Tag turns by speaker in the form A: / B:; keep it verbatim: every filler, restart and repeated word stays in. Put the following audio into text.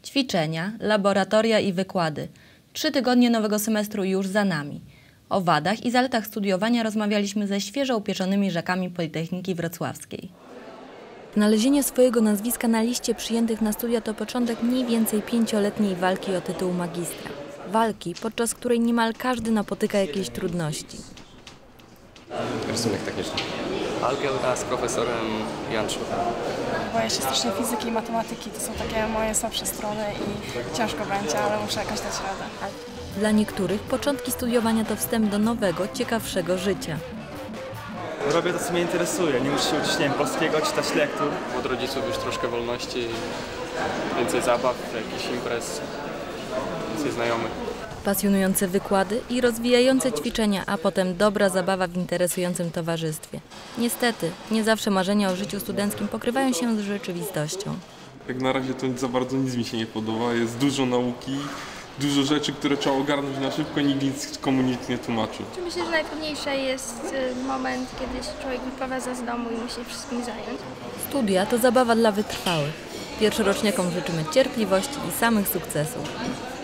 A: Ćwiczenia, laboratoria i wykłady. Trzy tygodnie nowego semestru już za nami. O wadach i zaletach studiowania rozmawialiśmy ze świeżo upieczonymi rzekami Politechniki Wrocławskiej. Znalezienie swojego nazwiska na liście przyjętych na studia to początek mniej więcej pięcioletniej walki o tytuł magistra. Walki, podczas której niemal każdy napotyka jakieś trudności.
B: Rysunek techniczny. Algebra z profesorem Janczuk.
C: Boję się strasznie fizyki i matematyki, to są takie moje słabsze strony i ciężko będzie, ale muszę jakoś dać radę.
A: Dla niektórych początki studiowania to wstęp do nowego, ciekawszego życia.
D: Robię to, co mnie interesuje. Nie muszę się uczyć, nie wiem, polskiego, czytać lektur.
B: Od rodziców już troszkę wolności, więcej zabaw, jakichś imprez, więcej znajomych.
A: Pasjonujące wykłady i rozwijające ćwiczenia, a potem dobra zabawa w interesującym towarzystwie. Niestety, nie zawsze marzenia o życiu studenckim pokrywają się z rzeczywistością.
E: Jak na razie to za bardzo nic mi się nie podoba. Jest dużo nauki, dużo rzeczy, które trzeba ogarnąć na szybko, nikt nic komu nic nie tłumaczy.
F: Myślę, że najtrudniejszy jest moment, kiedy człowiek wyprowadza z domu i musi się wszystkim zająć.
A: Studia to zabawa dla wytrwałych. Pierwszoroczniakom życzymy cierpliwości i samych sukcesów.